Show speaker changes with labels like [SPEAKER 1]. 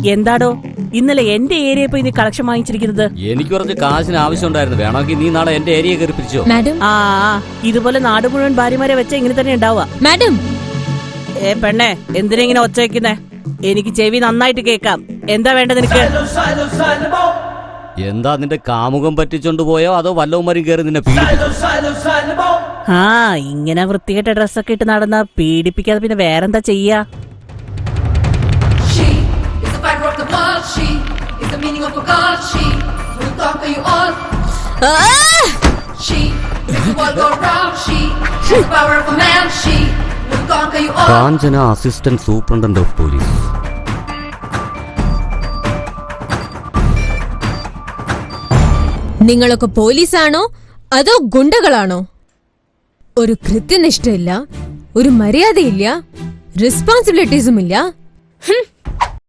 [SPEAKER 1] എന്താടോ ഇന്നലെ എന്റെ ഏരിയ പോയി നീ കളക്ഷൻ വാങ്ങിച്ചിരിക്കുന്നത്?
[SPEAKER 2] എനിക്ക് കുറച്ച് കാശിന് ആവശ്യമുണ്ടായിരുന്നു. വേണമെങ്കിൽ നീ നാളെ എന്റെ ഏരിയ കയറി പിരിച്ചോ.
[SPEAKER 1] ആ ഇതുപോലെ നാട് മുഴുവൻ ഭാര്യമാരെ വെച്ച ഇങ്ങനെ തന്നെ ഉണ്ടാവുക.
[SPEAKER 3] മാഡം
[SPEAKER 1] പെണ്ണെ, എന്തിനാ ഇങ്ങനെ ഒച്ച വെക്കുന്നേ? എനിക്ക് ചെവി നന്നായിട്ട് കേക്കാം. എന്താ വേണ്ടത് നിനക്ക്?
[SPEAKER 2] എന്താ നിന്റെ കാമുകം പറ്റിച്ചോണ്ട് പോയോ അതോ വല്ലവന്മാരും കയറി നിന്നെ പീഡിപ്പിച്ചോ?
[SPEAKER 1] ആ ഇങ്ങനെ വൃത്തികെട്ട ഡ്രസ്സൊക്കെ ഇട്ട് നടന്നാ പീഡിപ്പിക്കാതെ പിന്നെ വേറെന്താ ചെയ്യാ?
[SPEAKER 2] Kanchana assistant superintendent of police.
[SPEAKER 3] നിങ്ങളൊക്കെ പോലീസാണോ അതോ ഗുണ്ടകളാണോ? ഒരു കൃത്യനിഷ്ഠയില്ല, ഒരു മര്യാദയില്ല, റെസ്പോൺസിബിലിറ്റീസും ഇല്ല.